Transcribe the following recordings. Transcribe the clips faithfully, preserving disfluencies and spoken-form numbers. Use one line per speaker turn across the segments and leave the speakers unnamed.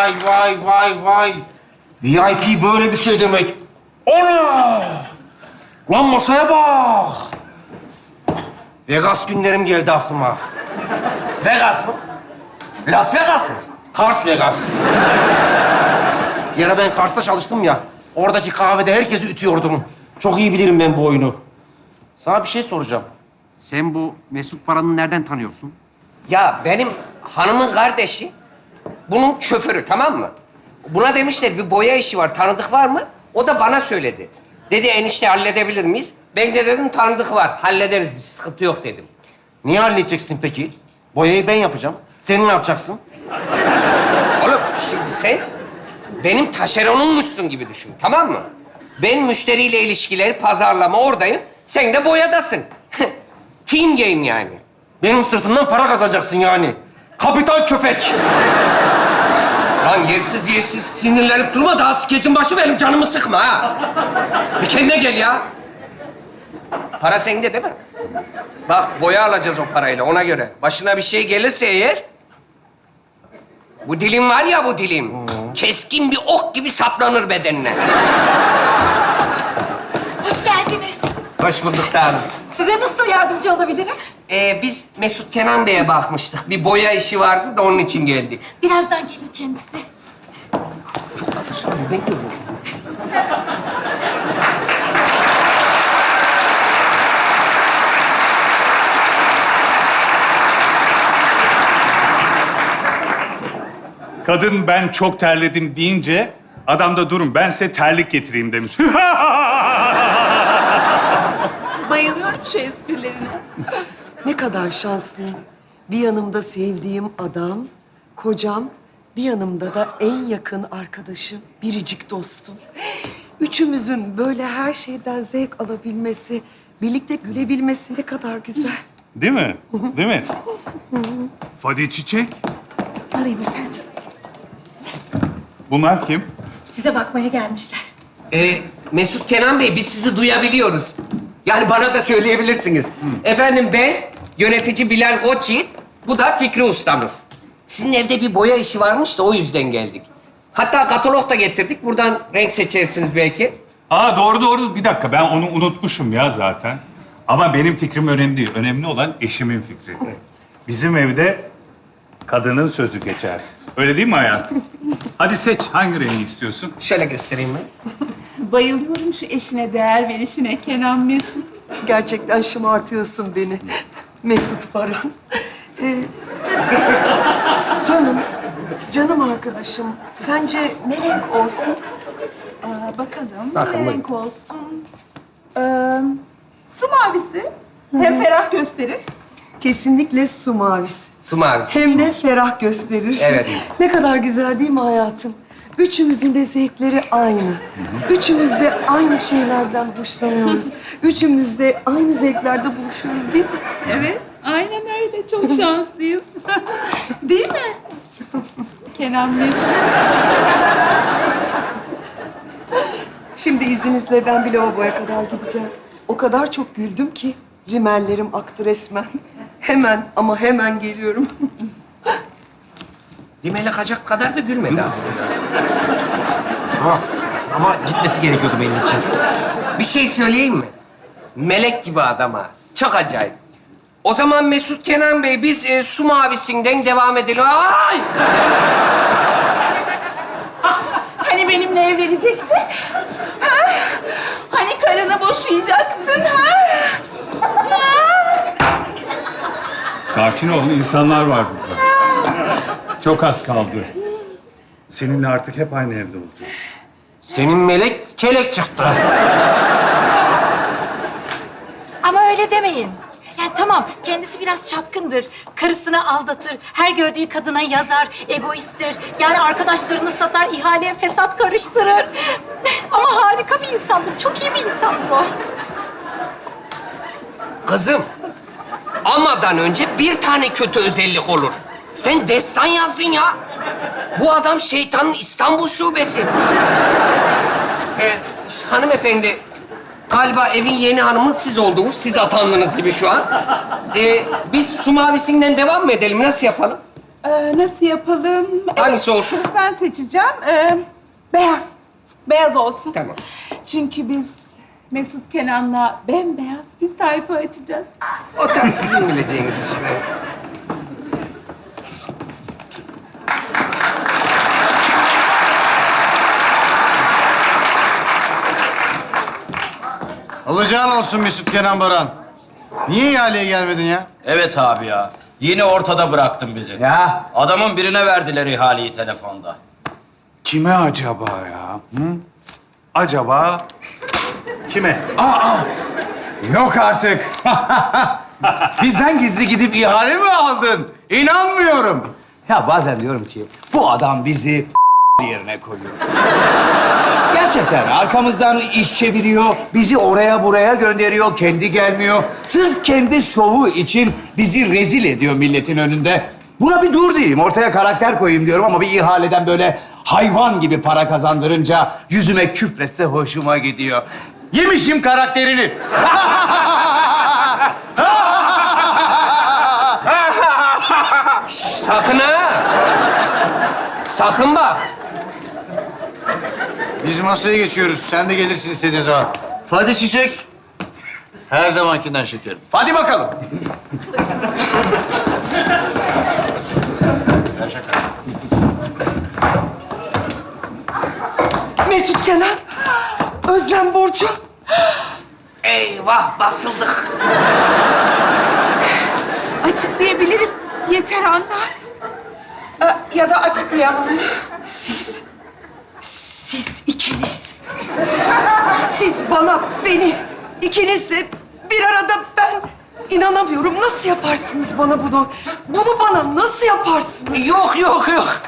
vay, vay, vay, vay. V I P böyle bir şey demek. Ana! Lan masaya bak. Vegas günlerim geldi aklıma.
Vegas mı? Las Vegas mı?
Kars Vegas. Bir ara ben Kars'ta çalıştım ya. Oradaki kahvede herkesi ütüyordum. Çok iyi bilirim ben bu oyunu. Sana bir şey soracağım. Sen bu Mesut Paran'ı nereden tanıyorsun?
Ya benim hanımın kardeşi bunun şoförü, tamam mı? Buna demişler bir boya işi var, tanıdık var mı? O da bana söyledi. Dedi enişte halledebilir miyiz? Ben de dedim tanıdık var, hallederiz biz, sıkıntı yok dedim.
Niye halledeceksin peki? Boyayı ben yapacağım. Sen ne yapacaksın?
Oğlum şimdi sen benim taşeronunmuşsun gibi düşün, tamam mı? Ben müşteriyle ilişkileri, pazarlama oradayım. Sen de boyadasın. Team game yani.
Benim sırtımdan para kazanacaksın yani. Kapital köpek.
Lan yersiz yersiz sinirlenip durma, daha skecin başı benim canımı sıkma ha. Bir kendine gel ya. Para sende değil mi? Bak boya alacağız o parayla, ona göre. Başına bir şey gelirse eğer... Bu dilim var ya, bu dilim. Keskin bir ok gibi saplanır bedenine.
Hoş geldiniz.
Hoş bulduk, sağ olun.
Size nasıl yardımcı olabilirim?
Ee, biz Mesut Kenan Bey'e bakmıştık. Bir boya işi vardı da onun için geldik.
Birazdan gelir kendisi.
Çok kafası ağrıyor, ben görüyorum.
Kadın ben çok terledim deyince adam da durun ben size terlik getireyim demiş.
Bayılıyorum şu esprilerine.
Ne kadar şanslıyım. Bir yanımda sevdiğim adam, kocam, bir yanımda da en yakın arkadaşım, biricik dostum. Üçümüzün böyle her şeyden zevk alabilmesi, birlikte gülebilmesi ne kadar güzel.
Değil mi? Değil mi? Fadi Çiçek.
Alayım efendim.
Bunlar kim?
Size bakmaya gelmişler.
Ee, Mesut Kenan Bey, biz sizi duyabiliyoruz. Yani bana da söyleyebilirsiniz. Efendim ben yönetici Bilal Koçyiğit, bu da Fikri ustamız. Sizin evde bir boya işi varmış da o yüzden geldik. Hatta katalog da getirdik. Buradan renk seçersiniz belki.
Aa doğru doğru. Bir dakika ben onu unutmuşum ya zaten. Ama benim fikrim önemli değil. Önemli olan eşimin fikri. Bizim evde kadının sözü geçer. Öyle değil mi hayatım? Hadi seç. Hangi rengi istiyorsun?
Şöyle göstereyim ben.
Bayılıyorum şu eşine değer verişine Kenan Mesut.
Gerçekten şımartıyorsun beni. Mesut Baran. Ee, canım, canım arkadaşım. Sence ne renk olsun?
Aa, bakalım
Bakın,
ne
bakın.
renk olsun? Ee, su mavisi. Hem ferah gösterir.
Kesinlikle su mavisi.
Su mavisi.
Hem de ferah gösterir.
Evet.
Ne kadar güzel değil mi hayatım? Üçümüzün de zevkleri aynı. Üçümüz de aynı şeylerden hoşlanıyoruz. Üçümüz de aynı zevklerde buluşuyoruz değil mi?
Evet, aynen öyle. Çok şanslıyız. Değil mi? Kenan Mesut.
Şimdi izninizle ben bir lavaboya kadar gideceğim. O kadar çok güldüm ki rimellerim aktı resmen. Hemen ama hemen geliyorum.
Rimel akacak kadar da gülmedi aslında.
Ama, ama gitmesi gerekiyordu benim için.
Bir şey söyleyeyim mi? Melek gibi adam ha. Çok acayip. O zaman Mesut Kenan Bey, biz e, su mavisinden devam edelim. Ay!
Hani benimle evlenecektin? Ha? Hani karını boşayacaktın? Ha?
Sakin ol. İnsanlar var burada. Çok az kaldı. Seninle artık hep aynı evde olacağız.
Senin melek kelek çıktı.
Ama öyle demeyin. Yani tamam, kendisi biraz çapkındır. Karısını aldatır, her gördüğü kadına yazar, egoisttir. Yani arkadaşlarını satar, ihaleye fesat karıştırır. Ama harika bir insandır, çok iyi bir insandır o.
Kızım, amadan önce bir tane kötü özellik olur. Sen destan yazdın ya. Bu adam şeytanın İstanbul şubesi. Ee, hanımefendi, galiba evin yeni hanımı siz oldunuz. Siz atandınız gibi şu an. Ee, biz su mavisinden devam mı edelim? Nasıl yapalım?
Ee, nasıl yapalım?
Hangisi olsun?
Ben seçeceğim. Ee, beyaz. Beyaz olsun.
Tamam.
Çünkü biz Mesut Kenan'la bembeyaz bir sayfa açacağız.
O tam sizin bileceğiniz iş be.
Alacağın olsun Mesut Kenan Baran. Niye ihaleye gelmedin ya?
Evet abi ya. Yine ortada bıraktın bizi.
Ya.
Adamın birine verdiler ihaleyi telefonda.
Kime acaba ya? Hı? Acaba kime?
Yok artık. Bizden gizli gidip ihale mi aldın? İnanmıyorum.
Ya bazen diyorum ki bu adam bizi yerine koyuyor. Gerçekten arkamızdan iş çeviriyor, bizi oraya buraya gönderiyor, kendi gelmiyor. Sırf kendi şovu için bizi rezil ediyor milletin önünde. Buna bir dur diyeyim, ortaya karakter koyayım diyorum ama bir ihaleden böyle hayvan gibi para kazandırınca yüzüme küfretse hoşuma gidiyor. Yemişim karakterini.
Sakın ha! Sakın bak!
Biz masaya geçiyoruz. Sen de gelirsin istediğin zaman.
Hadi Çiçek.
Her zamankinden şekerim.
Hadi bakalım.
Mesut Kenan, Özlem Burcu.
Eyvah, basıldık.
Açıklayabilirim. Yeter Handan. Ee, ya da açıklayamam.
Siz, siz ikiniz. Siz bana, beni, ikinizle bir arada ben inanamıyorum. Nasıl yaparsınız bana bunu? Bunu bana nasıl yaparsınız?
Yok, yok, yok.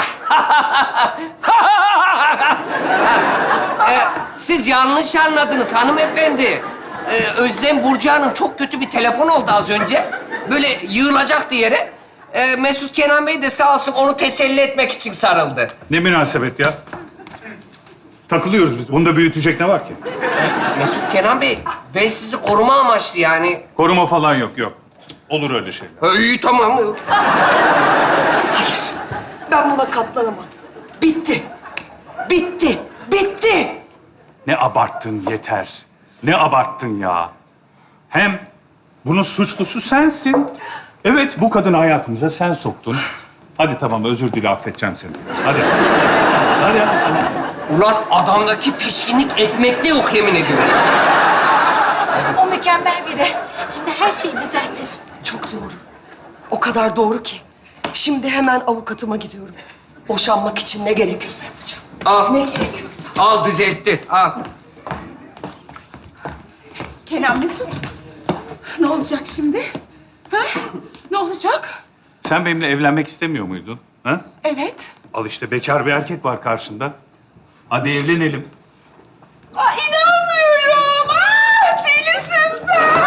Ee, siz yanlış anladınız hanımefendi. Ee, Özlem Burcu Hanım çok kötü bir telefon oldu az önce. Böyle yığılacaktı yere. Ee, Mesut Kenan Bey de sağ olsun onu teselli etmek için sarıldı.
Ne münasebet ya? Takılıyoruz biz. Bunda büyütecek ne var ki?
Mesut Kenan Bey, ben sizi koruma amaçlı yani.
Koruma falan yok, yok. Olur öyle şeyler.
Ha, iyi tamam.
Hayır, ben buna katlanamam. Bitti, bitti, bitti.
Ne abarttın yeter. Ne abarttın ya. Hem bunun suçlusu sensin. Evet, bu kadını hayatımıza sen soktun. Hadi tamam, özür dile, affedeceğim seni. Hadi. Hadi. hadi.
Ulan adamdaki pişkinlik ekmekte yok yemin ediyorum.
O mükemmel biri. Şimdi her şeyi düzeltir.
Çok doğru. O kadar doğru ki. Şimdi hemen avukatıma gidiyorum. Boşanmak için ne gerekiyorsa yapacağım.
Al.
Ne gerekiyorsa.
Al düzeltti, al.
Kenan Mesut. Ne olacak şimdi? Ha? Ne olacak?
Sen benimle evlenmek istemiyor muydun? Ha?
Evet.
Al işte, bekar bir erkek var karşında. Hadi evlenelim.
Aa, inanmıyorum. Aa, delisin sen.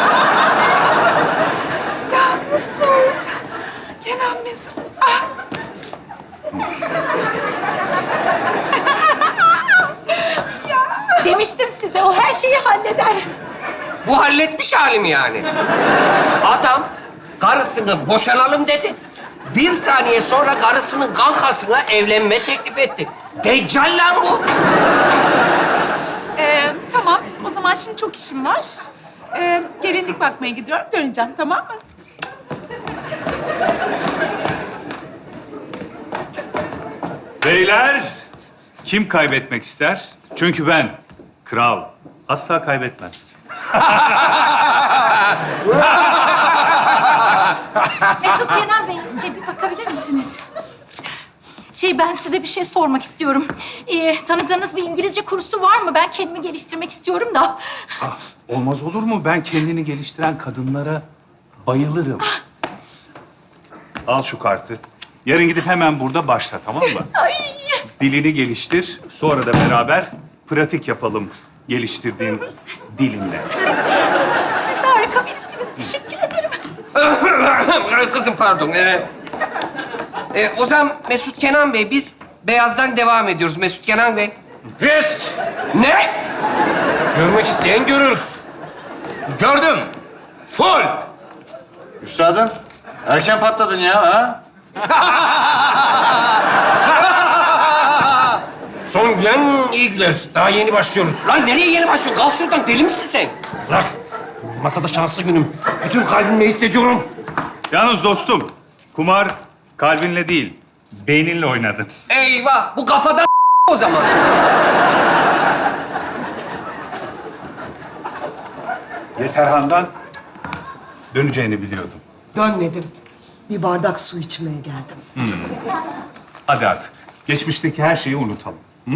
Ya Mesut. Kenan Mesut. Ah.
Demiştim size o her şeyi halleder.
Bu halletmiş halim yani. Adam karısını boşanalım dedi. Bir saniye sonra karısının kankasına evlenme teklif etti. Deccal lan bu.
Ee, tamam. O zaman şimdi çok işim var. Ee, gelinlik bakmaya gidiyorum. Döneceğim, tamam mı?
Beyler, kim kaybetmek ister? Çünkü ben, kral, asla kaybetmez.
Mesut Kenan Bey, şey bir bakabilir misiniz? Şey ben size bir şey sormak istiyorum. Ee, tanıdığınız bir İngilizce kursu var mı? Ben kendimi geliştirmek istiyorum da.
Ah, olmaz olur mu? Ben kendini geliştiren kadınlara bayılırım. Al şu kartı. Yarın gidip hemen burada başla, tamam mı?
Ay.
Dilini geliştir, sonra da beraber pratik yapalım geliştirdiğin dilinle.
Siz harika birisiniz. Teşekkür ederim.
Kızım pardon. Ee, e, o zaman Mesut Kenan Bey, biz beyazdan devam ediyoruz. Mesut Kenan Bey.
Rest.
Ne?
Görmek isteyen görür. Gördüm. Full.
Üstadım, erken patladın ya ha?
Son gülen iyi güler. Daha yeni başlıyoruz.
Lan nereye yeni başlıyorsun? Kalk şuradan, deli misin sen?
Bırak. Masada şanslı günüm. Bütün kalbimle hissediyorum.
Yalnız dostum, kumar kalbinle değil, beyninle oynadın.
Eyvah, bu kafadan o zaman.
Yeterhan'dan döneceğini biliyordum.
Dönmedim. Bir bardak su içmeye geldim.
Hadi artık. Geçmişteki her şeyi unutalım. Hı?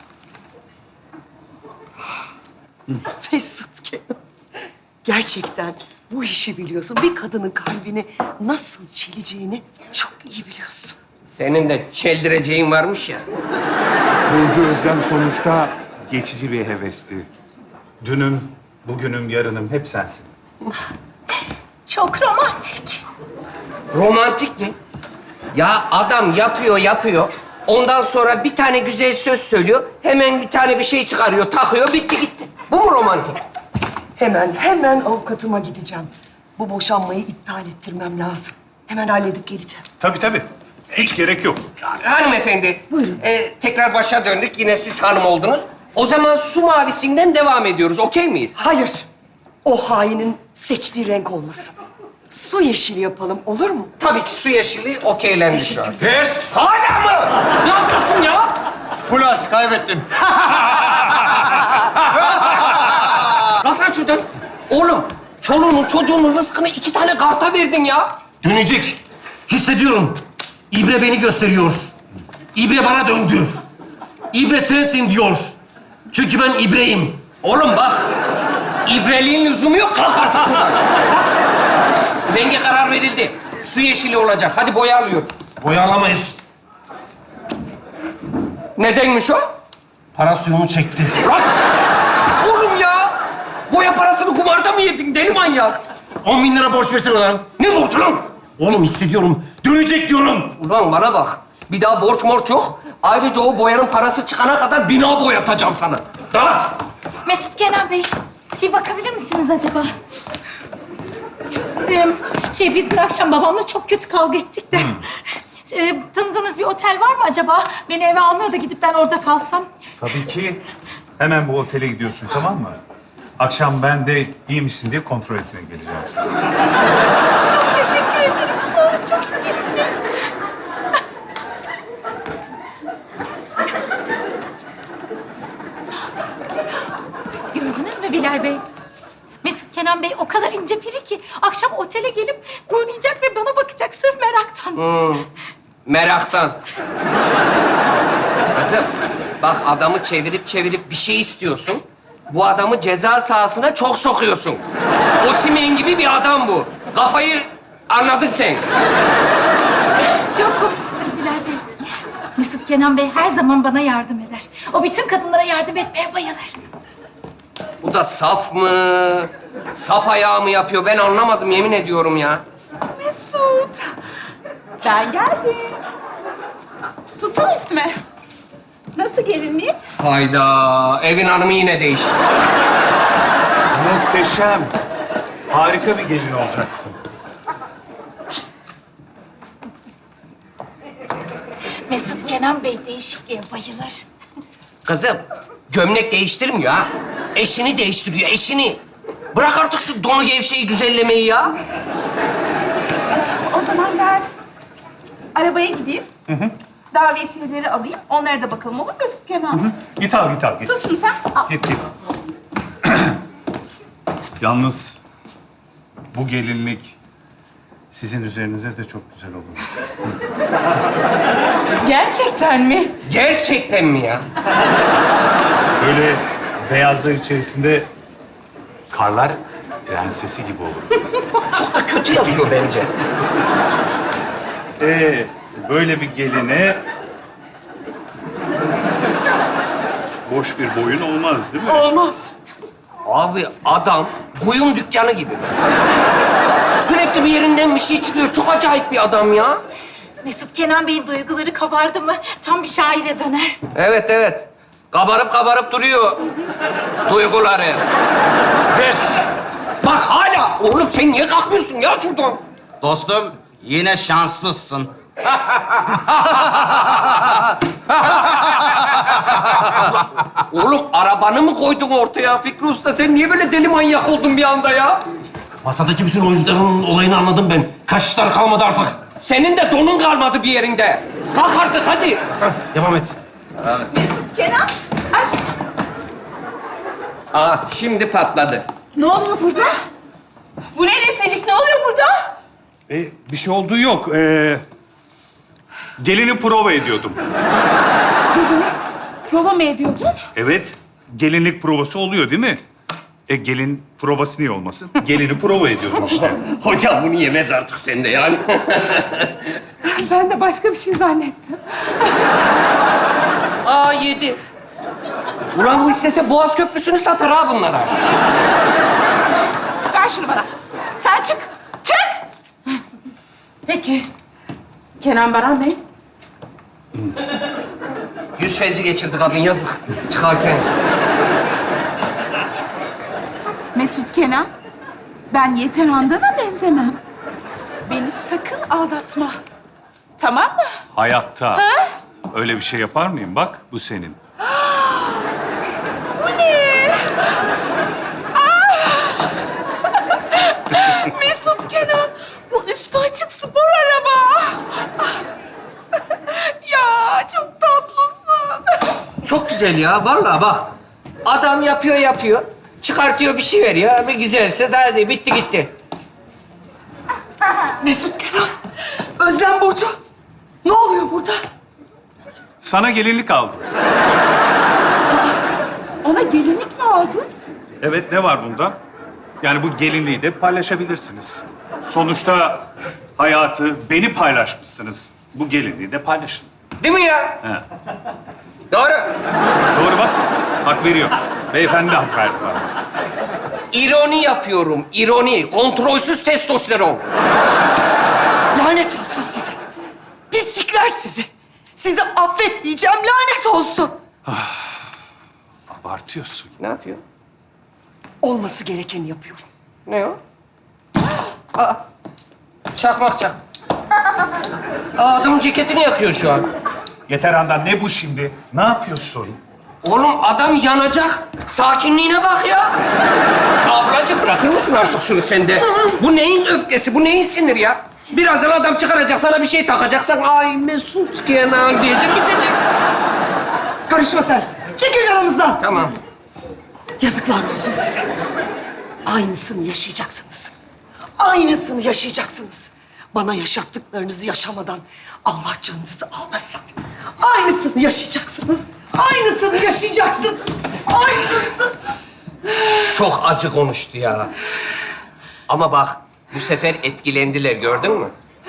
Mesut Kenan. Gerçekten bu işi biliyorsun. Bir kadının kalbini nasıl çeleceğini çok iyi biliyorsun.
Senin de çeldireceğin varmış ya.
Burcu Özlem sonuçta geçici bir hevesti. Dünüm, bugünüm, yarınım hep sensin.
Çok romantik.
Romantik mi? Ya adam yapıyor, yapıyor. Ondan sonra bir tane güzel söz söylüyor. Hemen bir tane bir şey çıkarıyor, takıyor, bitti gitti. Bu mu romantik?
Hemen, hemen avukatıma gideceğim. Bu boşanmayı iptal ettirmem lazım. Hemen halledip geleceğim.
Tabii tabii. Hiç gerek yok.
Hanımefendi.
Buyurun.
e, tekrar başa döndük. Yine siz hanım oldunuz. O zaman su mavisinden devam ediyoruz. Okey miyiz?
Hayır. O hainin seçtiği renk olmasın. Su yeşili yapalım, olur mu?
Tabii ki su yeşili okeylendi şu an.
Pest!
Hala mı? Ne yapıyorsun ya?
Fulas kaybettin.
Kalk lan şuradan. Oğlum, çoluğunun çocuğunun rızkını iki tane karta verdin ya.
Dönecek. Hissediyorum. İbre beni gösteriyor. İbre bana döndü. İbre sensin diyor. Çünkü ben İbreyim.
Oğlum bak, ibreliğin lüzumu yok. Kalk artık şuradan. Renge karar verildi. Su yeşili olacak. Hadi boya alıyoruz.
Boyalamayız.
Nedenmiş o?
Para suyunu çekti.
Lan! Oğlum ya! Boya parasını kumarda mı yedin deli manyak?
On bin lira borç versene lan.
Ne borcu lan?
Oğlum hissediyorum. Dönecek diyorum.
Ulan bana bak. Bir daha borç morç yok. Ayrıca o boyanın parası çıkana kadar bina boyatacağım sana. Dağıt!
Mesut Kenan Bey, bir bakabilir misiniz acaba? Ee, şey, biz dün akşam babamla çok kötü kavga ettik de. Ee, tanıdığınız bir otel var mı acaba? Beni eve almıyor da gidip ben orada kalsam.
Tabii ki. Hemen bu otele gidiyorsun, tamam mı? Akşam ben de iyi misin diye kontrol etmeye geleceğim.
Çok teşekkür ederim. Oh, çok incisiniz. Gördünüz mü Bilal Bey? Mesut Kenan Bey o kadar ince biri ki akşam otele gelip uğrayacak ve bana bakacak sırf meraktan.
Meraktan. Kızım, bak adamı çevirip çevirip bir şey istiyorsun. Bu adamı ceza sahasına çok sokuyorsun. Osimhen gibi bir adam bu. Kafayı anladın sen.
Çok komiksiniz Bilal Bey. Mesut Kenan Bey her zaman bana yardım eder. O bütün kadınlara yardım etmeye bayılır.
Bu da saf mı? Saf ayağı mı yapıyor? Ben anlamadım yemin ediyorum ya.
Mesut. Ben geldim. Tutsana üstüme. Nasıl gelinliğim?
Hayda, evin hanımı yine değişti.
Muhteşem. Harika bir gelin olacaksın.
Mesut Kenan Bey değişikliğe bayılır.
Kızım, gömlek değiştirmiyor ha. Eşini değiştiriyor, eşini. Bırak artık şu donu gevşeyi güzellemeyi ya.
O zaman ben arabaya gideyim. Davetiyeleri alayım. Onlara da bakalım, olur mu Mesut Kenan?
Git al, git al, git.
Tut şunu sen. Al.
Git, git. Yalnız bu gelinlik sizin üzerinize de çok güzel olur.
Gerçekten mi?
Gerçekten mi ya?
Böyle beyazlar içerisinde karlar prensesi gibi olur.
Çok da kötü yazıyor bence.
Ee, böyle bir geline boş bir boyun olmaz değil mi?
Olmaz.
Abi adam kuyum dükkanı gibi. Sürekli bir yerinden bir şey çıkıyor. Çok acayip bir adam ya.
Mesut Kenan Bey'in duyguları kabardı mı tam bir şaire döner.
Evet, evet. Kabarıp kabarıp duruyor duyguları.
Pest!
Bak hala. Oğlum sen niye kalkmıyorsun ya şuradan?
Dostum yine şanslısın.
Oğlum arabanı mı koydun ortaya Fikri Usta? Sen niye böyle deli manyak oldun bir anda ya?
Masadaki bütün oyuncuların olayını anladım ben. Kaçışlar kalmadı artık.
Senin de donun kalmadı bir yerinde. Kalk artık hadi.
Tamam, devam et.
Mesut, Kenan. Aşk.
Aa şimdi patladı.
Ne oluyor burada? Bu ne rezillik? Ne oluyor burada?
E, bir şey olduğu yok. Ee, gelini prova ediyordum.
Prova mı ediyordun?
Evet, gelinlik provası oluyor değil mi? E gelin provası niye olmasın? Gelini prova ediyordum işte.
Hocam bunu yemez artık sen de yani.
Ben de başka bir şey zannettim.
Aa yedi. Ulan bu istese Boğaz Köprüsü'nü satar ha bunlara.
Ver şunu bana. Sen çık. Çık. Peki. Kenan Baran Bey.
Yüz felci geçirdi kadın yazık. Çıkarken.
Mesut Kenan. Ben Yeter Handan'a benzemem. Beni sakın aldatma. Tamam mı?
Hayatta. Öyle bir şey yapar mıyım? Bak, bu senin.
Bu ne? Ah! Mesut Kenan. Bu üstü açık spor araba. Ya çok tatlısın.
Çok güzel ya vallahi bak. Adam yapıyor yapıyor. Çıkartıyor bir şey veriyor. Bir güzelse hadi bitti gitti.
Mesut Kenan, Özlem Burcu. Ne oluyor burada?
Sana gelinlik aldım.
Ona gelinlik mi aldın?
Evet, ne var bunda? Yani bu gelinliği de paylaşabilirsiniz. Sonuçta hayatı, beni paylaşmışsınız. Bu gelinliği de paylaşın.
Değil mi ya?
He.
Doğru.
Doğru bak, hak veriyor. Beyefendi de hak verdi bana.
İroni yapıyorum. İroni. Kontrolsüz testosteron.
Lanet olsun size. Pislikler sizi. Sizi affetmeyeceğim, lanet olsun.
Abartıyorsun.
Ne yapıyor?
Olması gerekeni yapıyorum.
Ne o? Aa, çakmak çak. Aa, adamın ceketini yakıyor şu an.
Yeter Handan, ne bu şimdi? Ne yapıyorsun?
Oğlum adam yanacak. Sakinliğine bak ya. Ablacığım bırakır mısın artık şunu sen de? Bu neyin öfkesi, bu neyin sinir ya? Birazdan adam çıkaracak, sana bir şey takacaksan... ...ay Mesut Kenan diyecek, bitecek.
Karışma sen. Çekil aramızdan.
Tamam.
Yazıklar olsun size. Aynısını yaşayacaksınız. Aynısını yaşayacaksınız. Bana yaşattıklarınızı yaşamadan Allah canınızı almasın. Aynısını yaşayacaksınız. Aynısını yaşayacaksınız. Aynısı.
Çok acı konuştu ya. Ama bak, bu sefer etkilendiler, gördün mü?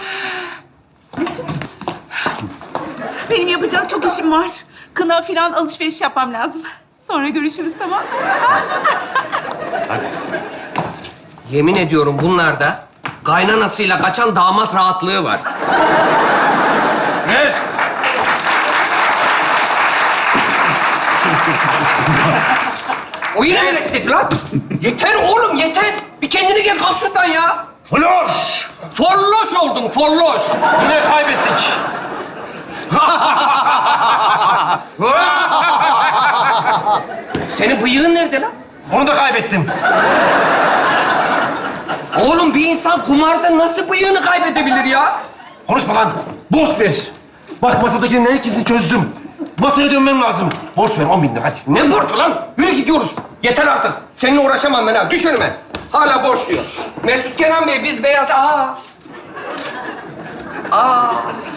Benim yapacak çok işim var. Kına falan alışveriş yapmam lazım. Sonra görüşürüz, tamam mı?
Yemin ediyorum bunlarda kaynanasıyla kaçan damat rahatlığı var.
Mesut.
O yine mi istedi lan? Yeter oğlum, yeter. Bir kendine gel, kalk şuradan ya.
Floş.
Folloş oldun, folloş.
Yine kaybettik.
Senin bıyığın nerede lan?
Onu da kaybettim.
Oğlum bir insan kumarda nasıl bıyığını kaybedebilir ya?
Konuşma lan. Borç ver. Bak masadakinin herkesini çözdüm. Masaya dönmem lazım. Borç ver on bin lira hadi.
Ne borcu lan? Yürü gidiyoruz. Yeter artık. Seninle uğraşamam ben ha. Düş önüme. Hala borç diyor. Mesut Kenan Bey, biz beyaz... Aa. Aa.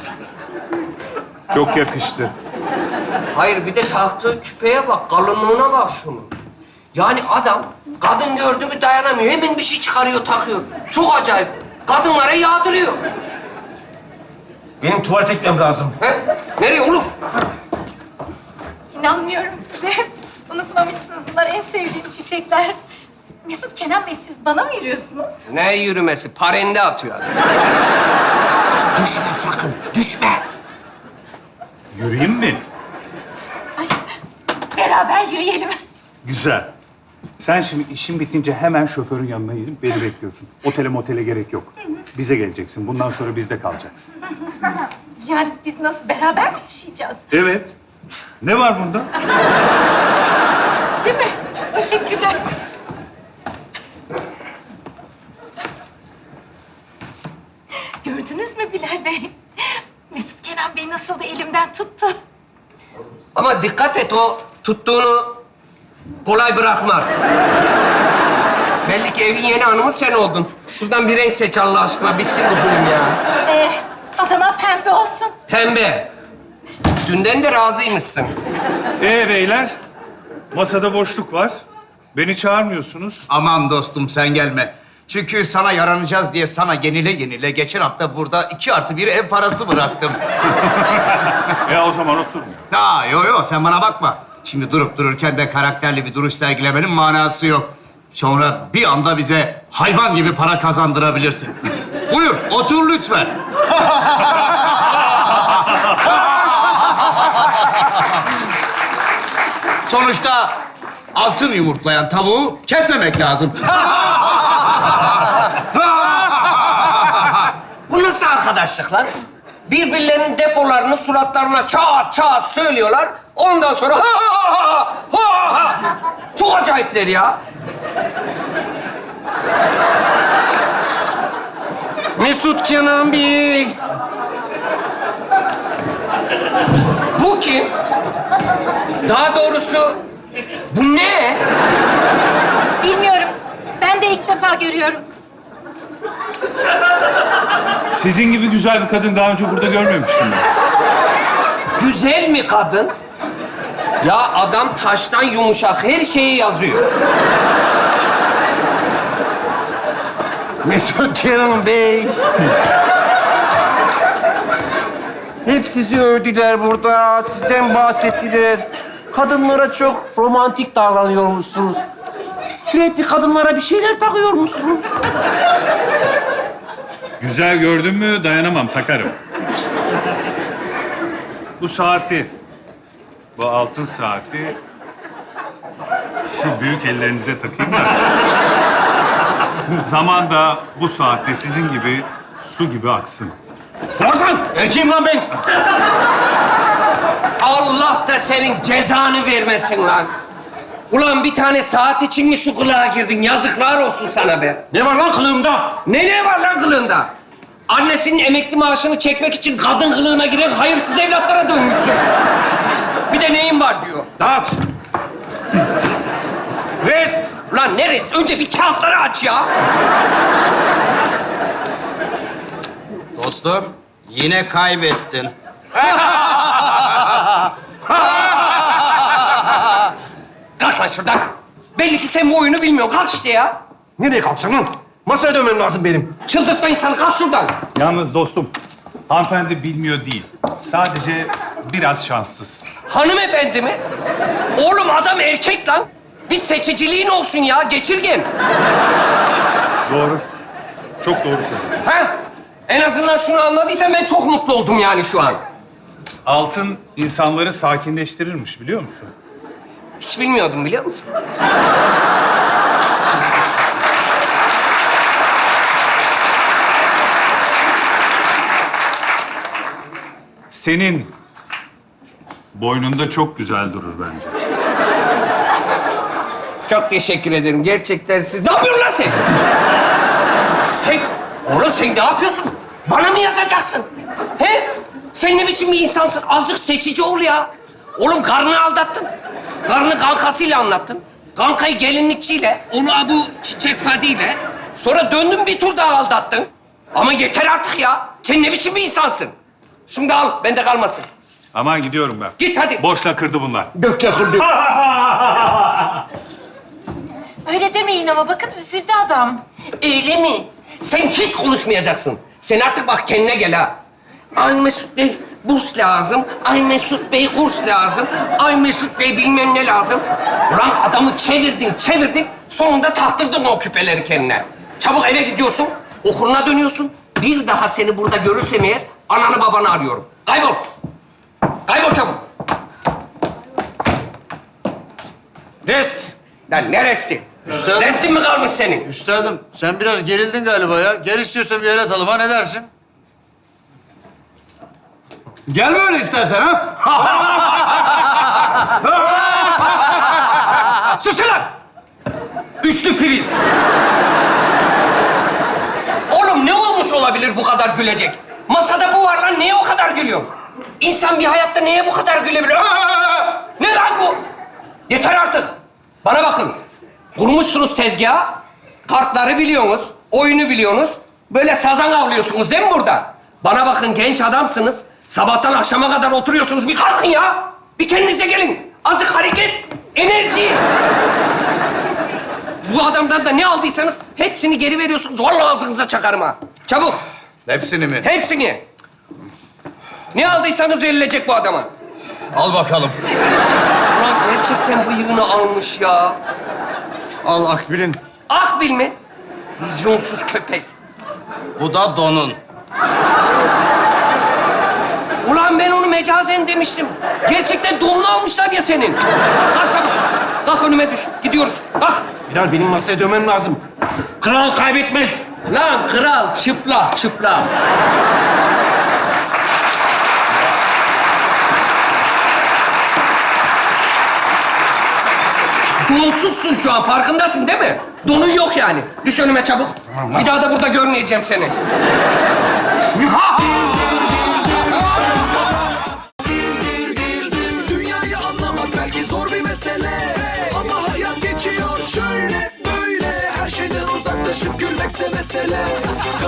Çok yakıştı.
Hayır, bir de taktığı küpeye bak. Kalınlığına bak şunun. Yani adam kadın gördü mü dayanamıyor. Hemen bir şey çıkarıyor, takıyor. Çok acayip. Kadınlara yağdırıyor.
Benim tuvalete gitmem lazım.
He? Nereye oğlum?
İnanmıyorum size. Unutmamışsınız. Bunlar en sevdiğim çiçekler. Mesut Kenan Bey, siz bana mı yürüyorsunuz?
Ne yürümesi? Parende atıyor adam. Düşme sakın, düşme.
Yürüyeyim mi?
Ay, beraber yürüyelim.
Güzel. Sen şimdi işin bitince hemen şoförün yanına gidip beni bekliyorsun. Otele motele gerek yok. Bize geleceksin. Bundan sonra bizde kalacaksın.
Yani biz nasıl beraber mi yaşayacağız?
Evet. Ne var bunda?
Değil mi? Çok teşekkürler. Gördünüz mü Bilal Bey? Mesut Kenan Bey nasıl da elimden tuttu.
Ama dikkat et, o tuttuğunu kolay bırakmaz. Belli ki evin yeni hanımı sen oldun. Şuradan bir renk seç Allah aşkına, bitsin bu zulüm ya.
Ee, o zaman pembe olsun.
Pembe. Dünden de razıymışsın.
Ee beyler, masada boşluk var. Beni çağırmıyorsunuz.
Aman dostum sen gelme. Çünkü sana yaranacağız diye sana yenile yenile geçen hafta burada iki artı bir ev parası bıraktım.
Ya o zaman oturma.
Ha yo yo sen bana bakma. Şimdi durup dururken de karakterli bir duruş sergilemenin manası yok. Sonra bir anda bize hayvan gibi para kazandırabilirsin. Buyur otur lütfen. Sonuçta altın yumurtlayan tavuğu kesmemek lazım.
Bu nasıl arkadaşlık lan? Birbirlerinin depolarını suratlarına çat çat söylüyorlar. Ondan sonra ha ha ha ha ha. Çok acayipler ya.
Mesut Kenan Bey.
Bu kim? Daha doğrusu bu ne?
Bilmiyorum. Ben de ilk defa görüyorum.
Sizin gibi güzel bir kadın daha önce burada görmemiştim ben.
Güzel mi kadın? Ya adam taştan yumuşak, her şeyi yazıyor.
Mesut Kenan Bey. Hep sizi övdüler burada, sizden bahsettiler. Kadınlara çok romantik davranıyormuşsunuz. Sürekli kadınlara bir şeyler takıyormuşsunuz.
Güzel gördün mü dayanamam, takarım. Bu saati, bu altın saati şu büyük ellerinize takayım da. Zaman da bu saatte sizin gibi su gibi aksın.
Lan erkeğim lan ben.
Allah da senin cezanı vermesin lan. Ulan bir tane saat için mi şu kılığa girdin? Yazıklar olsun sana be.
Ne var lan kılığımda?
Ne ne var lan kılığında? Annesinin emekli maaşını çekmek için kadın kılığına giren hayırsız evlatlara dönmüşsün. Bir de neyin var diyor.
Dağıt. Rest.
Ulan ne rest? Önce bir kağıtları aç ya.
Dostum yine kaybettin.
Kalk lan şuradan. Belli ki sen bu oyunu bilmiyorsun. Kalk işte ya.
Nereye kalkacağım lan? Masaya dönmem lazım benim.
Çıldırtma insanı. Kalk şuradan.
Yalnız dostum, hanımefendi bilmiyor değil. Sadece biraz şanssız.
Hanımefendi mi? Oğlum adam erkek lan. Bir seçiciliğin olsun ya. Geçirgen.
Doğru. Çok doğru söylüyorsun.
Ha? En azından şunu anladıysan ben çok mutlu oldum yani şu an.
Altın insanları sakinleştirirmiş biliyor musun?
Hiç bilmiyordum biliyor musun?
Senin boynunda çok güzel durur bence.
Çok teşekkür ederim. Gerçekten siz... Ne yapıyorsun lan sen? Sen... Oğlum sen ne yapıyorsun? Bana mı yazacaksın? He? Sen ne biçim bir insansın? Azıcık seçici ol ya. Oğlum karnını aldattın. Karnını kankasıyla anlattın. Kankayı gelinlikçiyle, onu bu çiçek fadiyle. Sonra döndün bir tur daha aldattın. Ama yeter artık ya. Sen ne biçim bir insansın? Şunu da al, bende kalmasın.
Aman gidiyorum ben.
Git hadi.
Boşla kırdı bunlar.
Gökçe kırdı.
Öyle demeyin ama bakın üzüldü adam.
Öyle mi? Sen hiç konuşmayacaksın. Sen artık bak kendine gel ha. Ay Mesut Bey burs lazım. Ay Mesut Bey kurs lazım. Ay Mesut Bey bilmem ne lazım. Ulan adamı çevirdin, çevirdin. Sonunda taktırdın o küpeleri kendine. Çabuk eve gidiyorsun. Okuluna dönüyorsun. Bir daha seni burada görürsem eğer ananı babanı arıyorum. Kaybol. Kaybol çabuk.
Rest.
Lan ne resti?
Üstadım.
Restin mi kalmış senin?
Üstadım sen biraz gerildin galiba ya. Gel istiyorsan bir el atalım ha, ne dersin? Gel böyle istersen ha.
Susun lan! Üçlü priz. Oğlum ne olmuş olabilir bu kadar gülecek? Masada bu var lan, niye o kadar gülüyor? İnsan bir hayatta neye bu kadar gülebilir? Aa! Ne lan bu? Yeter artık. Bana bakın. Kurmuşsunuz tezgahı. Kartları biliyorsunuz. Oyunu biliyorsunuz. Böyle sazan avlıyorsunuz değil mi burada? Bana bakın, genç adamsınız. Sabahtan akşama kadar oturuyorsunuz. Bir kalkın ya. Bir kendinize gelin. Azıcık hareket, enerji. Bu adamdan da ne aldıysanız hepsini geri veriyorsunuz. Vallahi ağzınıza çakarım ha. Çabuk.
Hepsini mi?
Hepsini. Ne aldıysanız verilecek bu adama.
Al bakalım.
Ulan gerçekten bıyığını almış ya.
Al Akbil'in.
Akbil mi? Vizyonsuz köpek.
Bu da donun.
Ulan ben onu mecazen demiştim. Gerçekten donunu almışlar ya senin. Kalk çabuk. Kalk önüme düş. Gidiyoruz. Kalk.
Bilal benim masaya dönmem lazım. Kral kaybetmez.
Lan kral çıplak çıplak. Donsuzsun şu an, farkındasın değil mi? Donun yok yani. Düş önüme çabuk. Bir daha da burada görmeyeceğim seni.
Dünyayı anlamak belki zor bir mesele, ama hayat geçiyor şöyle böyle. Her şeyden uzaklaşıp gülmekse mesele.